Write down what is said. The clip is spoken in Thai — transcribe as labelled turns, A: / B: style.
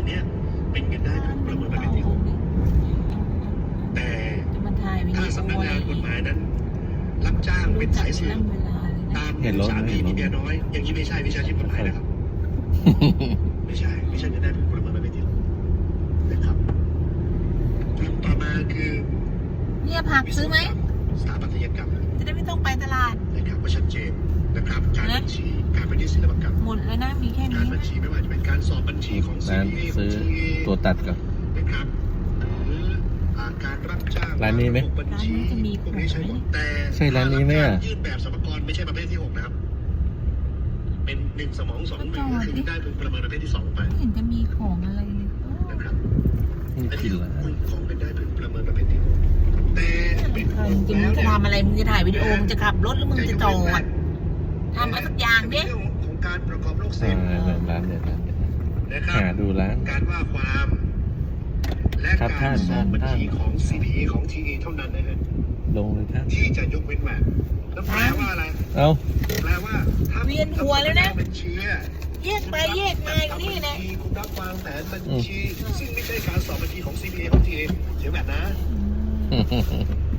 A: เนี้ยเป็นเงินได้พึงประเมินประเภทที่หกแต่ถ้าสำนักงานกฎหมายนั้นรับจ้างเป็นสายสืบตามสามีมีเมียน้อยอย่างนี้ไม่ใช่วิชาชีพกฎหมายนะครับไม่ใช่เงินได้พึงประเมินประเภทที่หกนะครับกลุ่มต่อมาคือ
B: เนี่ยผักซื้อไหม
A: สถาปัตยกรรม
B: จะได้ไม่ต้องไปตลาด
A: นะครับก็ชัดเจนนะครับการบัญชีการเป็นที่ศิลปกรรม
B: หมดแล้วนะมีแค่นี้
A: การบัญชีไม่ว่าจะเป็นการสอบบัญชีของ CPA
C: ซื้อตัวตัดกับ
A: นะครับหรือการรับจ้าง
C: ร้านนี้ไหม
A: บัญชีพวกนี้ใช่หมดแต่
C: ใช่ร้านนี้ไหมอ่ะ
A: ยื่นแบบสรรพากรไม่ใช่ประเภทที่6นะครับเป็น1 สมอง 2 มือก็คือได้พึงประเมินประเภทที่2ไป
B: ไม่เห็นจะมีของอะไรเลย
A: นะครับ
C: นี่กินละ
A: ของเป็นได้พึงประเมินประเภทที่6แต่เป็น
B: จริงมึงจะทำอะไรมึงจะถ่ายวิดีโอมึงจะขับรถหรือมึงจะจอดทำอะไรสักอย่างดิ
A: ของการประกอบโลกเสร็จ
C: ร้านเนี่ย
A: นะครับ
C: หาดูร้าน
A: การว่าความและการสอบบัญชีของ CPA ของ TA เท่านั้นนะฮะ
C: ลงเลยท่าน
A: ที่จะยกเว้นแหวนแล้วแปลว่าอะไรแปลว่าถ้า
B: เวียนหัวแล้วนะ
A: บัญชี
B: แยกไปแยกมาอยู่นี่แหละ
A: คุณรับวางแผนบัญชีซึ่งไม่ใช่การสอบบัญชีของ CPA ของ TA เสียแบบนะ